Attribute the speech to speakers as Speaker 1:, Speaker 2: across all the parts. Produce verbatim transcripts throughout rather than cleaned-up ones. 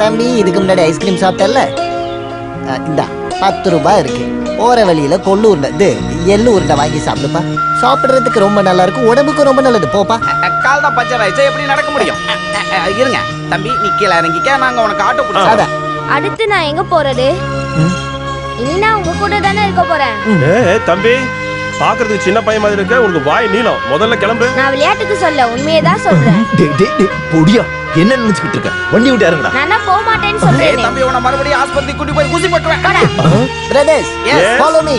Speaker 1: தம்பி இதுக்கு முன்னாடி ஐஸ்கிரீம் சாப்பிட்டல, இந்த பத்து ரூபாய் இருக்கு. போற வழியில கொள்ளு உருண்டை இது எள்ளு உருண்டை வாங்கி சாப்பிடுப்பா. சாப்பிடுறதுக்கு ரொம்ப நல்லா இருக்கும், உடம்புக்கு ரொம்ப நல்லது. போப்பா.
Speaker 2: கால் தான் பஞ்சர் ஆயிடுச்சு, எப்படி நடக்க முடியும்? இருங்க தம்பி, நீ கீழே இறங்கிக்க, நாங்க உனக்கு ஆட்டோ பிடிச்சாத.
Speaker 3: அடுத்து நான் எங்க போறது? இனி நான் உங்க கூட தானே இருக்க போறேன்.
Speaker 4: ஏ தம்பி, பாக்குறதுக்கு சின்ன பையன் மாதிரி இருக்க, உனக்கு வாய் நீளம். முதல்ல கிளம்பு.
Speaker 3: நான் விளையாட்டுக்கு சொல்ல, உண்மையே தான் சொல்றேன்.
Speaker 5: டேய் டேய் டேய் பொடியா, என்ன நினைச்சிட்டு இருக்க? வண்டி விட்டு இறங்குடா.
Speaker 3: நான் போக மாட்டேன்னு சொல்றேன்.
Speaker 2: தம்பி உன மறுபடியும் ஆஸ்பத்திரி கூட்டி போய் ஊசி போட்டுறேன்.
Speaker 1: Brothers, follow me.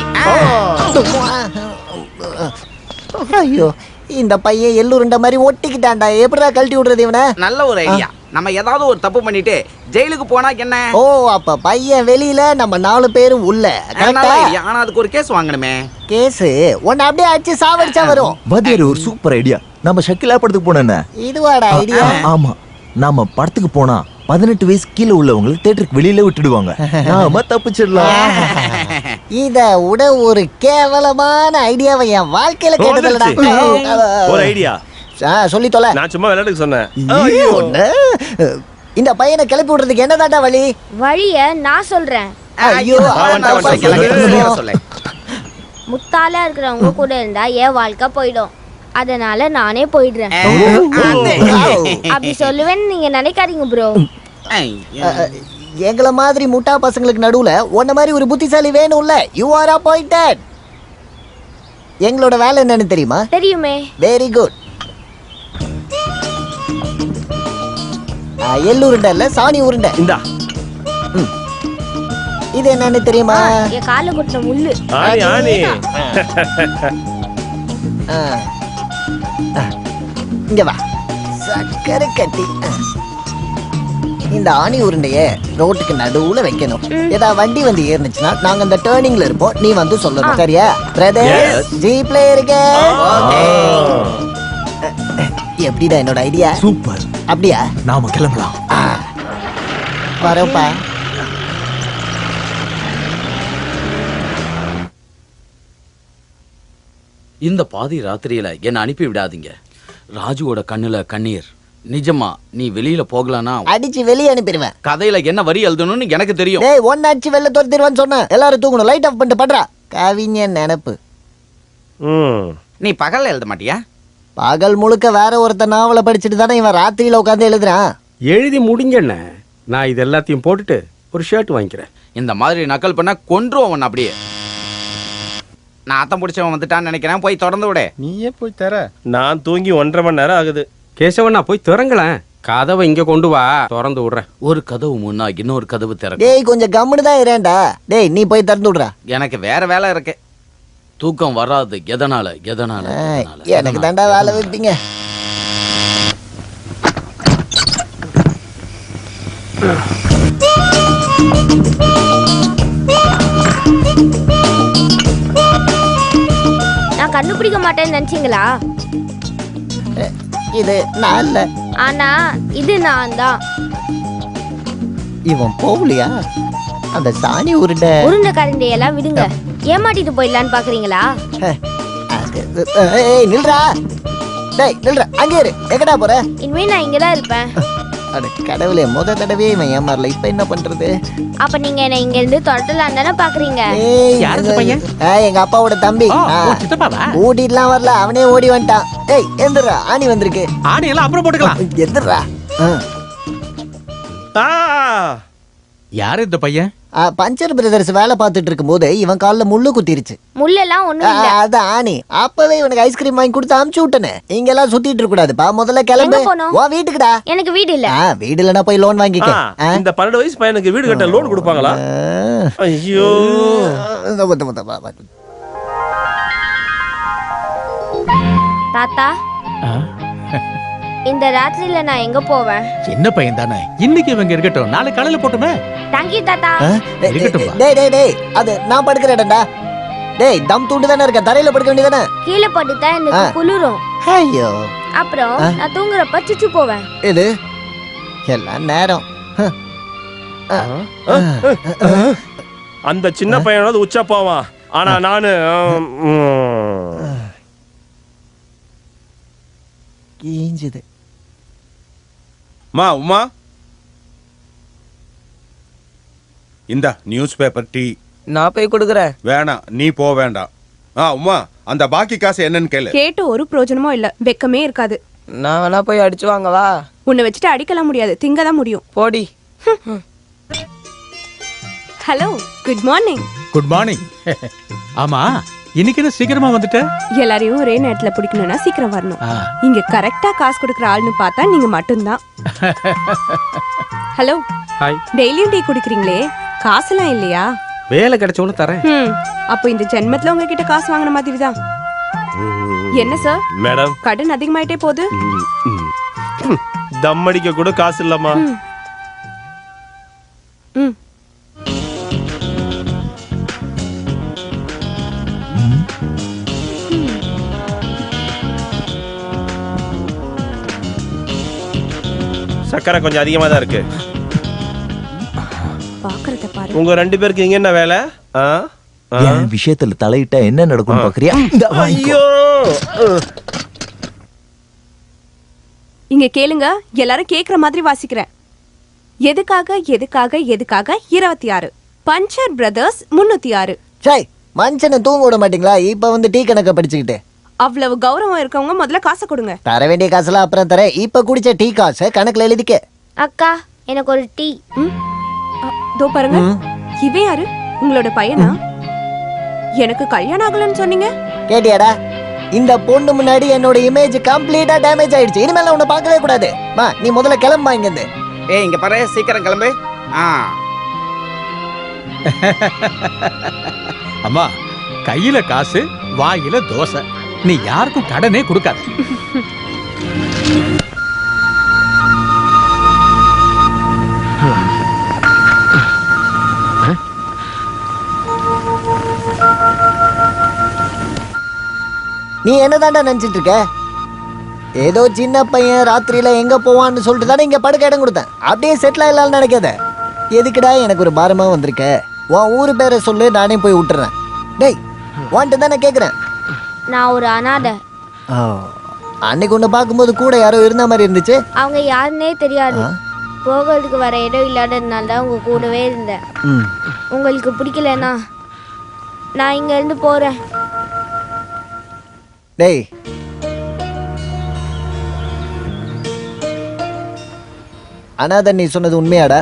Speaker 1: ஐயோ, இந்த பையன் எள்ளுருண்ட மாதிரி ஒட்டிக்கிட்டான்டா. எப்படிடா கழட்டி விடுறது இவனை?
Speaker 2: நல்ல ஒரு ஐடியா. நம்ம ஏதாவது ஒரு தப்பு பண்ணிட்டு ஜெயிலுக்கு போனா என்ன?
Speaker 1: ஓ, அப்ப பையன் வெளியில, நம்ம நாலு பேரும் உள்ள.
Speaker 2: ஆனா அதுக்கு ஒரு கேஸ் வாங்கணுமே.
Speaker 1: கேஸ் உன்னை அப்படியே அடிச்சு சாவடிச்சா வரும்.
Speaker 5: வாத்தியார், ஒரு சூப்பர் ஐடியா. நம்ம ஷக்கிலா படத்துக்கு போனேன்னு.
Speaker 1: இதுவாடா ஐடியா?
Speaker 5: ஆமா, நாம படத்துக்கு போனா பதினெட்டு வயசு கீழே உள்ளவங்களை தியேட்டருக்கு வெளியில விட்டுடுவாங்க. நாம தப்பிச்சிடலாம்.
Speaker 1: இத விட ஒரு கேவலமான ஐடியாவை என் வாழ்க்கையில கேட்டதில்லடா.
Speaker 4: ஒரு ஐடியா
Speaker 1: சொல்லி தொலை.
Speaker 4: நான் சும்மா விளையாட்டுக்கு சொன்னேன்.
Speaker 1: இந்த பையனை கிளப்பி விடுறதுக்கு என்னதாண்டா வழி?
Speaker 3: வழிய நான் சொல்றேன்.
Speaker 1: ஐயோ,
Speaker 3: முத்தாலா இருக்கிறவங்க கூட இருந்தா என் வாழ்க்கை போயிடும். அதனால நானே போயிடுறேன். அப்படி சொல்லுவேன்னு நீங்க நினைக்காதீங்க ப்ரோ.
Speaker 1: எங்கள மாதிரி முட்டா பசங்களுக்கு நடுவுல உன்ன மாதிரி ஒரு புத்திசாலி வேணும்ல. You are appointed. எங்களோட வேலை என்னன்னு தெரியுமா?
Speaker 3: தெரியுமே.
Speaker 1: Very good. எள்ளு உருண்டை இல்ல, சாணி உருண்டை.
Speaker 4: இந்தா.
Speaker 1: இது என்னன்னு தெரியுமா?
Speaker 3: என் கால குட்டின முள்ளு.
Speaker 4: ஆனி ஆனி.
Speaker 1: இங்க வா. சக்கரை கட்டி. இந்த ஆணி உருண்டைய ரோட்டுக்கு நடுவுல வைக்கணும். ஏதாவது வண்டி வந்து ஏறிச்சுன்னா நாங்க அந்த டர்னிங்ல இருப்போம், நீ வந்து சொல்லணும். சரியா பிரதர்? ஜீப்ல இருக்க. எப்படிடா என்னோட ஐடியா?
Speaker 5: சூப்பர்.
Speaker 1: அப்படியா?
Speaker 5: நாம கிளம்பலாம்.
Speaker 1: வரப்பா.
Speaker 6: இந்த பாதி ராத்திரியில என்ன அனுப்பி விடாதீங்க. ராஜுவோட கண்ணுல கண்ணீர். நிஜமா நீ வெளியில போகலனா
Speaker 1: அடிச்சு வெளியே அனுப்பிடுவேன்.
Speaker 6: கதையில என்ன வரி எழுதணும்னு எனக்கு தெரியும்.
Speaker 1: டேய், ஒன்னு அடிச்சு வெளில துரத்திடுவான்னு சொன்னேன். எல்லாரும் தூங்கணும். லைட் ஆஃப் பண்ணிட்டு பண்றா. கவிஞன் நினைப்பு.
Speaker 2: நீ பகல்ல எழுத மாட்டியா?
Speaker 1: பகல் முழுக்க வேற ஒருத்த நாவலை படிச்சுட்டு தானே இவன் ராத்திரியில உட்காந்து எழுதுறான்.
Speaker 7: எழுதி முடிஞ்சண்ண. நான் இது எல்லாத்தையும் போட்டுட்டு ஒரு ஷர்ட் வாங்கிக்கிறேன்.
Speaker 6: இந்த மாதிரி நக்கல் பண்ணா கொன்றுவோம் அப்படியே.
Speaker 2: நான் அத்தம் பிடிச்சவன் வந்துட்டான்னு நினைக்கிறேன். போய் தொடர்ந்து விட.
Speaker 4: நீயே போய் தர. நான் தூங்கி ஒன்றரை மணி நேரம் ஆகுது.
Speaker 7: கேசவண்ணா போய் திறங்களேன். கதவை இங்க கொண்டு வா, திறந்து விடுறேன்.
Speaker 6: ஒரு கதவு முன்னா இன்னொரு கதவு திறக்கும்.
Speaker 1: டேய், கொஞ்சம் கம்முன்னு தான் இரேண்டா. டேய், நீ போய் திறந்து விடுறா.
Speaker 6: எனக்கு வேற வேலை இருக்கு. தூக்கம் வராது. எதனால எதனால
Speaker 1: எனக்கு தாண்டா வேலை வைப்பீங்க.
Speaker 3: நான் கண்டுபிடிக்க மாட்டேன்னு நினைச்சீங்களா?
Speaker 1: இது நான் இல்ல.
Speaker 3: ஆனா இது நான் தான்.
Speaker 1: இவன் போகலையா? அந்த சாணி உருண்டை
Speaker 3: உருண்டை கரண்டையெல்லாம் விடுங்க. ஏமாட்டிட்டு போயிடலான்னு பாக்குறீங்களா?
Speaker 1: ஏய் நில்றா. டேய் நில்றா. அங்கே இரு. எங்கடா போற?
Speaker 3: இனிமே நான் இங்கதான் இருப்பேன்.
Speaker 1: அட கடவுளே, முத தடவை இவன் ஏமாறல. இப்ப என்ன பண்றது?
Speaker 3: அப்ப நீங்க என்ன இங்க இருந்து தொடட்டலாம் தானே பாக்குறீங்க?
Speaker 1: எங்க அப்பாவோட தம்பி. ஓடிட்டுலாம் வரல, அவனே ஓடி வந்துட்டான். ஏய் எந்திரா, ஆணி வந்திருக்கு.
Speaker 7: ஆணி எல்லாம் அப்புறம் போட்டுக்கலாம்.
Speaker 1: எந்திரா.
Speaker 8: யாரு இந்த பையன்?
Speaker 1: பஞ்சர் பிரதர்ஸ் வேலை பார்த்துட்டு இருக்கும் போது இவன் காலில் முள்ளு குத்திருச்சு.
Speaker 3: முள்ளெல்லாம் ஒண்ணும் இல்ல.
Speaker 1: அதான் ஆணி. அப்பவே இவனுக்கு ஐஸ்கிரீம் வாங்கி கொடுத்து அமுச்சு விட்டனே. இங்க எல்லாம் சுத்திட்டு இருக்க கூடாதுப்பா. முதல்ல கிளம்பு. வா வீட்டுக்குடா.
Speaker 3: எனக்கு வீடு இல்ல.
Speaker 1: வீடு இல்லனா போய் லோன் வாங்கிக்க.
Speaker 4: இந்த பன்னெண்டு வயசு பையனுக்கு வீடு கட்ட லோன் கொடுப்பாங்களா? ஐயோ.
Speaker 3: தாத்தா, இந்த ராத்திரியில நான் எங்க போவேன்?
Speaker 8: என்ன பையன் தானே, இன்னைக்கு இவங்க இருக்கட்டும், நாளை காலையில போட்டுமே.
Speaker 3: தேங்க்யூ தாத்தா.
Speaker 8: இருக்கட்டும்.
Speaker 1: டேய் டேய் டேய், அது நான் படுக்கிறேன்டா. டேய், தம் தூண்டு தானே இருக்க, தரையில படுக்க வேண்டியதானே.
Speaker 3: கீழே படுத்தா எனக்கு குளிரும்.
Speaker 1: ஐயோ.
Speaker 3: அப்புறம் நான் தூங்குறப்ப சுச்சு போவேன்.
Speaker 1: இது எல்லாம் நேரம்.
Speaker 4: அந்த சின்ன பையனோட உச்சா போவான். ஆனா நானு
Speaker 1: கீஞ்சுது.
Speaker 4: மா உமா
Speaker 9: இந்த நியூஸ் பேப்பர் டீ.
Speaker 10: நான் போய் கொடுக்குறேன்.
Speaker 9: வேணாம், நீ போ வேண்டாம். ஆ உமா, அந்த பாக்கி காசு என்னன்னு கேளு.
Speaker 11: கேட்டு ஒரு பிரயோஜனமும் இல்ல, வெக்கமே இருக்காது.
Speaker 10: நான் வேணா போய் அடிச்சு வாங்கவா?
Speaker 11: உன்னை வச்சுட்டு அடிக்கலாம் முடியாது, திங்க தான் முடியும்.
Speaker 10: போடி.
Speaker 11: Hello, good morning.
Speaker 8: Good morning. ஆமா, இன்னைக்கு என்ன சீக்கிரமா வந்துட்ட?
Speaker 11: எல்லாரையும் ஒரே நேரத்துல பிடிக்கணும்னா சீக்கிரம் வரணும்.
Speaker 8: ஆ.
Speaker 11: இங்க கரெக்டா காசு கொடுக்குற ஆள்னு பார்த்தா நீங்க மட்டும்தான். Hello,
Speaker 7: hi.
Speaker 11: டெய்லியும் டீ குடிக்கிறீங்களே, காசுலாம் இல்லையா?
Speaker 7: வேலை கிடைச்சவனு தரேன்.
Speaker 11: ம், அப்போ இந்த ஜென்மத்துல உங்ககிட்ட காசு வாங்கின மாதிரி தான். என்ன சார்,
Speaker 4: மேடம்,
Speaker 11: கடன் அதிகமாயிட்டே போகுது.
Speaker 4: தம் அடிக்க கூட காசு இல்லம்மா.
Speaker 11: ம். ம்.
Speaker 4: சக்கரை கொஞ்சம் அதிகமா தான் இருக்கு.
Speaker 11: பாக்குறத பாரு.
Speaker 4: உங்க ரெண்டு பேருக்கு இங்க என்ன வேலை? ஆ? ஆ?
Speaker 5: என் விஷயத்துல தலையிட்டா என்ன நடக்கும் பாக்குறியா? இந்தா வாங்கிக்கோ.
Speaker 4: ஐயோ,
Speaker 11: இங்க கேளுங்க, எல்லாரும் கேக்குற மாதிரி வாசிக்கிறேன். எதுக்காக எதுக்காக எதுக்காக இருபத்தி ஆறு பஞ்சர் பிரதர்ஸ் முன்னூத்தி ஆறு.
Speaker 1: சாய் மனுஷனை தூங்க விட மாட்டீங்களா? இப்ப வந்து டீ கணக்க படிச்சுக்கிட்டு.
Speaker 11: அவ்வளவு கௌரவம் இருக்கவங்க முதல்ல காசை கொடுங்க.
Speaker 1: தர வேண்டிய காசுலாம் அப்புறம் தரேன். இப்ப குடிச்ச டீ காசை கணக்குல எழுதிக்க.
Speaker 3: அக்கா எனக்கு ஒரு டீ.
Speaker 11: ம்? அ, தோ பாருங்க, இவன் யாரு? உங்களோட பையனா? எனக்கு கல்யாணம் ஆகலன்னு சொன்னீங்க.
Speaker 1: கேட்டியாடா? இந்த பொண்ணு முன்னாடி என்னோட இமேஜ் கம்ப்ளீட்டா டேமேஜ் ஆயிடுச்சு. இனிமேல உன்னை பார்க்கவே கூடாது. மா, நீ முதல்ல கிளம்பா இங்க இருந்து.
Speaker 2: ஏய் இங்க பாரு, சீக்கிரம் கிளம்பு. ஆ
Speaker 8: அம்மா, கையில காசு, வாயில தோசை. நீ யாருக்கும் கடனே கொடுக்காத.
Speaker 1: நீ என்னதான்டா நினைச்சிட்டு இருக்க? ஏதோ சின்ன பையன் ராத்திரியில எங்க போவான்னு சொல்லிட்டு தானே இங்க படுக்க இடம் கொடுத்தேன். அப்படியே செட்டில் ஆகலாம்னு நினைக்காத. எதுக்குடா எனக்கு ஒரு பாரமா வந்திருக்க? உன் ஊரு பேரை சொல்லு, நானே போய் விட்டுறேன். டேய், வான்ட்டு தானே கேக்குறேன்.
Speaker 3: நான் ஒரு அனாதை.
Speaker 1: அன்னைக்கு ஒண்ணு பார்க்கும்போது கூட யாரோ இருந்த மாதிரி இருந்துச்சு.
Speaker 3: அவங்க யாருன்னே தெரியாது.
Speaker 1: ஆ?
Speaker 3: போகிறதுக்கு வர இடம் இல்லாததுனால தான் உங்க கூடவே இருந்தேன்.
Speaker 1: ம்.
Speaker 3: உங்களுக்கு பிடிக்கலனா நான் இங்க இருந்து போறேன்.
Speaker 1: டேய், அனாதன் நீ சொன்னது உண்மையாடா?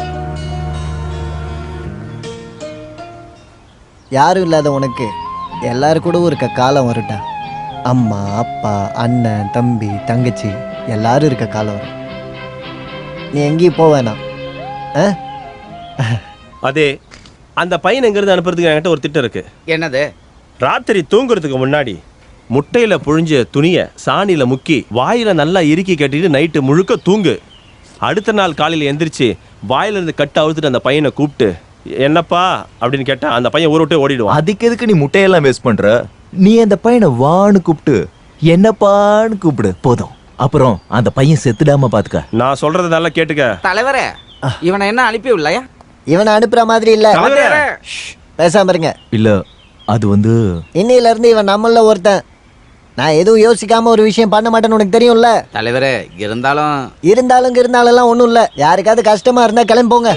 Speaker 1: யாரும் இல்லாத உனக்கு எல்லாரும் கூட இருக்க காலம் வரும்டா. அம்மா, அப்பா, அண்ணன், தம்பி, தங்கச்சி எல்லாரும் இருக்க காலம் வரும். நீ எங்கேயும் போக வேணாம். ஆ?
Speaker 4: அதே அந்த பையன் எங்க இருந்து அனுப்புறதுக்கு என்கிட்ட ஒரு திட்டம் இருக்கு.
Speaker 2: என்னது?
Speaker 4: ராத்திரி தூங்குறதுக்கு முன்னாடி முட்டையில புழிஞ்ச துணிய சாணியில முக்கி வாயில நல்லா இறுக்கி கட்டிட்டு நைட்டு முழுக்க தூங்கு. அடுத்த நாள் காலையில எந்திரிச்சு வாயில இருந்து கட்டு அவுத்துட்டு அந்த பையனை கூப்பிட்டு என்னப்பா அப்படின்னு கேட்டா அந்த பையன் ஊரை விட்டு ஓடிடுவான்.
Speaker 5: அதுக்கு எதுக்கு நீ முட்டையெல்லாம் வேஸ்ட் பண்ற? நீ அந்த பையனை வான்னு கூப்பிட்டு என்னப்பான்னு கூப்பிடு போதும். அப்புறம் அந்த பையன் செத்துடாம பாத்துக்க.
Speaker 4: நான் சொல்றத நல்லா கேட்டுக்க.
Speaker 2: தலைவரே, இவனை என்ன அனுப்பி விடலையா?
Speaker 1: இவனை அனுப்புற மாதிரி இல்ல.
Speaker 4: தலைவரே.
Speaker 1: பேசாம இருங்க.
Speaker 5: இல்ல, அது வந்து
Speaker 1: இன்னையில இருந்து இவன் நம்மள ஒருத்தன். நான் எதுவும் யோசிக்காம ஒரு விஷயம் பண்ண மாட்டேன்னு உனக்கு தெரியும்ல.
Speaker 2: தலைவரே, இருந்தாலும்
Speaker 1: இருந்தாலும் இருந்தாலும் எல்லாம் ஒண்ணும் இல்ல. யாருக்காவது கஷ்டமா இருந்தா கிளம்பி போங்க.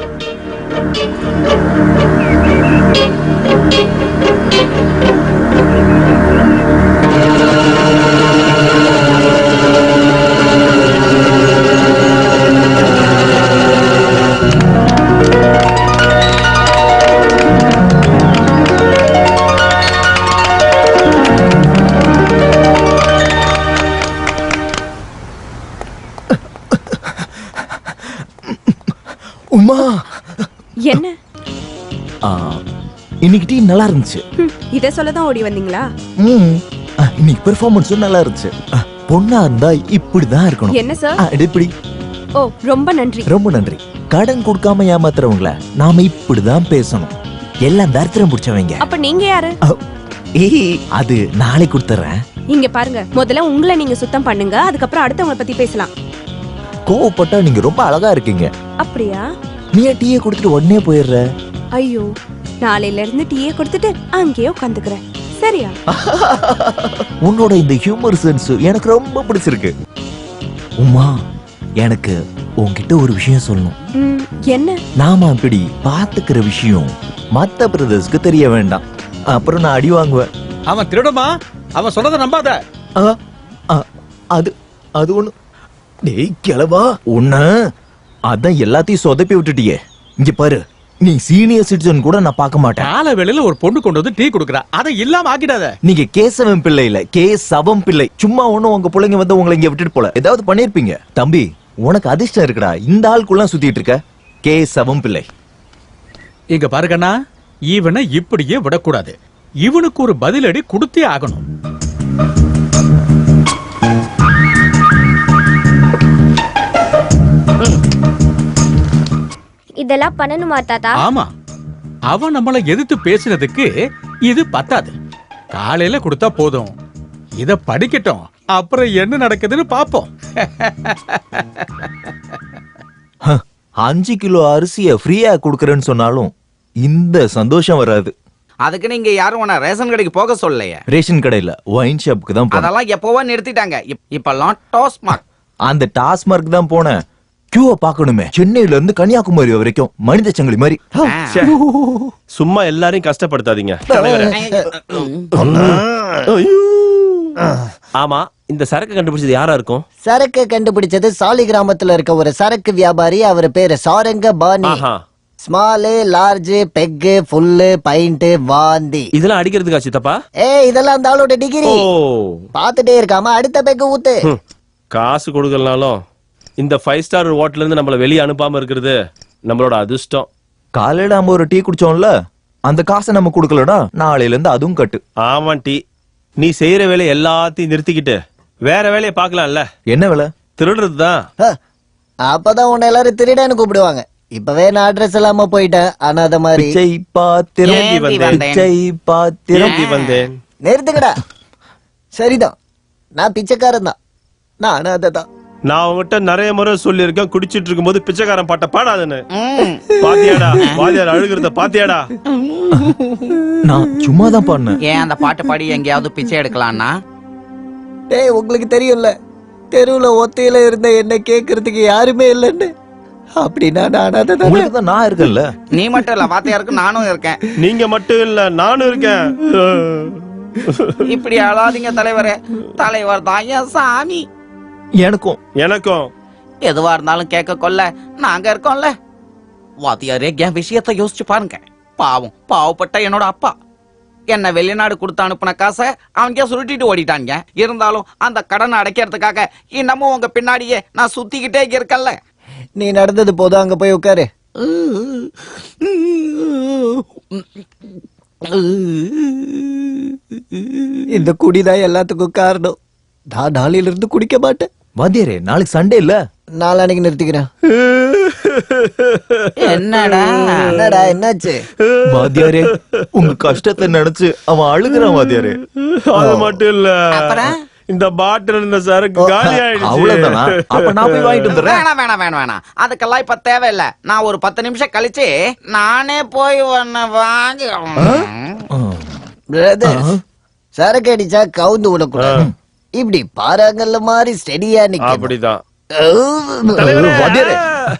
Speaker 5: உமா,
Speaker 11: என்ன?
Speaker 5: ஆ, இன்னைக்கு டீம் நல்லா இருந்துச்சு.
Speaker 11: ம், இத சொல்லதான் ஓடி வந்தீங்களா?
Speaker 5: ம், ஆ, இன்னைக்கு பெர்ஃபார்மன்ஸும் நல்லா இருந்துச்சு. ஆ, பொண்ணா இருந்தா இப்படிதான் இருக்கணும்.
Speaker 11: என்ன சார்?
Speaker 5: ஆ, இப்படி.
Speaker 11: ஓ, ரொம்ப நன்றி.
Speaker 5: ரொம்ப நன்றி. கடன் கொடுக்காம ஏமாத்துறவங்கள நாம இப்படிதான் பேசணும். எல்லாம் தரித்திரம் பிடிச்சவங்க.
Speaker 11: அப்ப நீங்க யாரு?
Speaker 5: ஆ, ஏய், அது நாளை கொடுத்துறேன்.
Speaker 11: இங்க பாருங்க, முதல்ல உங்களை நீங்க சுத்தம் பண்ணுங்க, அதுக்கப்புறம் அடுத்தவங்கள பத்தி பேசலாம்.
Speaker 5: கோவப்பட்டா நீங்க ரொம்ப அழகா இருக்கீங்க.
Speaker 11: அப்படியா?
Speaker 5: நீ டீயை கொடுத்துட்டு உடனே போயிடுற.
Speaker 11: ஐயோ, நாளையில இருந்து டீயே கொடுத்துட்டு அங்கேயே உட்காந்துக்கிறேன். சரியா?
Speaker 5: உன்னோட இந்த ஹியூமர் சென்ஸ் எனக்கு ரொம்ப பிடிச்சிருக்கு. உமா, எனக்கு உன்கிட்ட ஒரு விஷயம் சொல்லணும்.
Speaker 11: ம், என்ன?
Speaker 5: நாம அப்படி பாத்துக்கிற விஷயம் மத்த பிரதர்ஸ்க்கு தெரிய வேண்டாம். அப்புறம் நான் அடி வாங்குவேன்.
Speaker 8: அவன் திருடமா? அவன் சொன்னதை நம்பாத.
Speaker 5: ஆ, ஆ, அது அது ஒண்ணு. டேய் கிளவா, உன்ன அதான் எல்லாத்தையும் சொதப்பி விட்டுட்டியே. இங்க பாரு, நீ சீனியர் சிட்டிசன் கூட நான் பார்க்க மாட்டேன்.
Speaker 8: கால வேளையில ஒரு பொண்ணு கொண்டு வந்து டீ குடுக்குறா, அதை இல்லாம ஆக்கிடாத.
Speaker 5: நீங்க கேசவன் பிள்ளை இல்ல, கே சவம் பிள்ளை. சும்மா ஒண்ணும் உங்க பிள்ளைங்க வந்து உங்களை இங்க விட்டுட்டு போல ஏதாவது பண்ணிருப்பீங்க. தம்பி, உனக்கு அதிர்ஷ்டம் இருக்குடா, இந்த ஆளுக்குள்ள சுத்திட்டு இருக்க. கே சவம் பிள்ளை.
Speaker 8: இங்க பாருங்கண்ணா, இவனை இப்படியே விடக்கூடாது. இவனுக்கு ஒரு பதிலடி கொடுத்தே ஆகணும்.
Speaker 3: இதெல்லாம் பண்ணணுமா தாத்தா?
Speaker 8: ஆமா, அவன் நம்மளை எதிர்த்து பேசினதுக்கு இது பத்தாது. காலையில கொடுத்தா போதும். இத படிக்கட்டும், அப்புறம் என்ன நடக்குதுன்னு பாப்போம்.
Speaker 5: அஞ்சு கிலோ அரிசிய ஃப்ரீயா குடுக்கறேன்னு சொன்னாலும் இந்த சந்தோஷம் வராது.
Speaker 2: அதுக்கு நீங்க யாரும் உன ரேஷன் கடைக்கு போக சொல்லலையே.
Speaker 5: ரேஷன் கடையில ஒயின் ஷாப்புக்கு தான் போனேன்.
Speaker 2: அதெல்லாம் எப்பவோ நிறுத்திட்டாங்க. இப்- இப்பெல்லாம் டாஸ்மாக்.
Speaker 5: அந்த டாஸ்மார்க் தான் போனேன். கியூவை பார்க்கணுமே, சென்னையில இருந்து கன்னியாகுமரி வரைக்கும் மனித சங்கிலி மாதிரி.
Speaker 4: ச்சே. சும்மா எல்லாரையும் கஷ்டப்படுத்தாதீங்க தலைவரே. ஐயோ. ஆமா, இந்த சரக்கு கண்டுபிடிச்சது யாரா இருக்கும்?
Speaker 1: சரக்கு கண்டுபிடிச்சது சாலி கிராமத்துல இருக்க ஒரு சரக்கு வியாபாரி. அவர் பேரு சாரங்க பாணி.
Speaker 4: ஆஹா.
Speaker 1: Small, large, peg, full, pint, வாந்தி.
Speaker 4: இதெல்லாம் அடிக்கிறதுக்கா சித்தப்பா?
Speaker 1: ஏய், இதெல்லாம் அந்த ஆளோட டிகிரி.
Speaker 4: ஓ.
Speaker 1: பாத்துட்டே இருக்காம அடுத்த பெக்கு ஊத்து.
Speaker 4: ஹம். காசு கொடுக்கலனாலும் இந்த ஃபைவ் ஸ்டார் ஹோட்டல்ல இருந்து நம்மள வெளியே அனுப்பாம இருக்கிறது நம்மளோட அதிர்ஷ்டம்.
Speaker 5: காலையில நம்ம ஒரு டீ குடிச்சோம்ல, அந்த காசை நம்ம கொடுக்கலடா, நாளையில இருந்து அதுவும் கட்டு.
Speaker 4: ஆமா டி, நீ செய்யற வேலையை எல்லாத்தையும் நிறுத்திக்கிட்டு வேற வேலையை பார்க்கலாம்ல.
Speaker 5: என்ன வேலை?
Speaker 4: திருடுறது தான்.
Speaker 1: ஹ, அப்பதான் உன்னை எல்லாரும் திருடன்னு கூப்பிடுவாங்க. இப்பவே நான் அட்ரஸ் இல்லாம போயிட்டேன். ஆனா அத மாதிரி
Speaker 5: பிச்சை பாத்திரம்,
Speaker 2: ஏந்தி வந்தேன்.
Speaker 5: பிச்சை பாத்திரம்.
Speaker 4: ஏந்தி வந்தேன்.
Speaker 1: நிறுத்துக்கடா. சரிதான், நான் பிச்சைக்காரன் தான். நான் அததான்.
Speaker 4: நான் உங்ககிட்ட நிறைய முறை சொல்லியிருக்கேன், குடிச்சிட்டு இருக்கும்போது பிச்சைக்காரன் பாட்ட பாடாதுன்னு. பாத்தியாடா, வாத்தியார் அழுகிறத பாத்தியாடா?
Speaker 5: நான் சும்மா தான் பாடினேன்.
Speaker 2: ஏன் அந்த பாட்டு பாடி எங்கேயாவது பிச்சை எடுக்கலாம்னா?
Speaker 1: டேய், உங்களுக்கு தெரியும்ல, தெருவுல ஒத்தையில இருந்த என்ன கேக்குறதுக்கு யாருமே இல்லைன்னு. அப்படின்னா நான் அததான்.
Speaker 5: உங்களுக்கு தான் நான் இருக்கேன்ல.
Speaker 2: நீ மட்டும் இல்ல, வாத்தியாருக்கு நானும் இருக்கேன்.
Speaker 4: நீங்க மட்டும் இல்ல, நானும் இருக்கேன்.
Speaker 2: இப்படி அழாதீங்க தலைவரே. தலைவர் தான் என் சாமி.
Speaker 5: எனக்கும்
Speaker 4: எனக்கும்
Speaker 2: எதுவா இருந்தாலும் கேட்க கொள்ள நாங்க இருக்கோம்ல. வாத்தியாரே, என் விஷயத்தை யோசிச்சு பாருங்க. பாவம், பாவப்பட்ட என்னோட அப்பா என்ன வெளிநாடு கொடுத்து அனுப்புன காசை அவங்க சுருட்டிட்டு ஓடிட்டாங்க. இருந்தாலும் அந்த கடனை அடைக்கிறதுக்காக இன்னமும் உங்க பின்னாடியே நான் சுத்திக்கிட்டே இருக்கல.
Speaker 1: நீ நடந்தது போதும், அங்க போய் உட்காரு. இந்த குடிதான் எல்லாத்துக்கும் காரணம். நான் நாளையில இருந்து குடிக்க மாட்டேன்.
Speaker 5: வாத்தியாரே, நாளைக்கு சண்டே இல்ல?
Speaker 1: நாளானைக்கு நிறுத்திக்கிறேன்.
Speaker 2: என்னடா
Speaker 1: என்னடா, என்னாச்சு?
Speaker 5: வாத்தியாரே, உங்க கஷ்டத்தை நினைச்சு அவன் அழுகுறான் வாத்தியாரே.
Speaker 4: அது மட்டும் இல்ல,
Speaker 2: அப்புறம்?
Speaker 4: இந்த பாட்டில் இருந்த சரக்கு காலி ஆயிடுச்சு.
Speaker 5: அவ்வளவுதானா? அப்ப நான் போய் வாங்கிட்டு வந்துடுறேன்.
Speaker 2: வேணாம் வேணாம் வேணாம் வேணாம், அதுக்கெல்லாம் இப்ப தேவையில்ல. நான் ஒரு பத்து நிமிஷம் கழிச்சு நானே போய் ஒன்னு வாங்கி.
Speaker 1: பிரதர், சரக்கு அடிச்சா கவுந்து விடக்கூடாது. இப்படி பாறாங்கல்ல மாதிரி ஸ்டெடியா நிக்க.
Speaker 4: அப்படிதான்.
Speaker 1: அஹ்.
Speaker 5: வாத்தியாரே,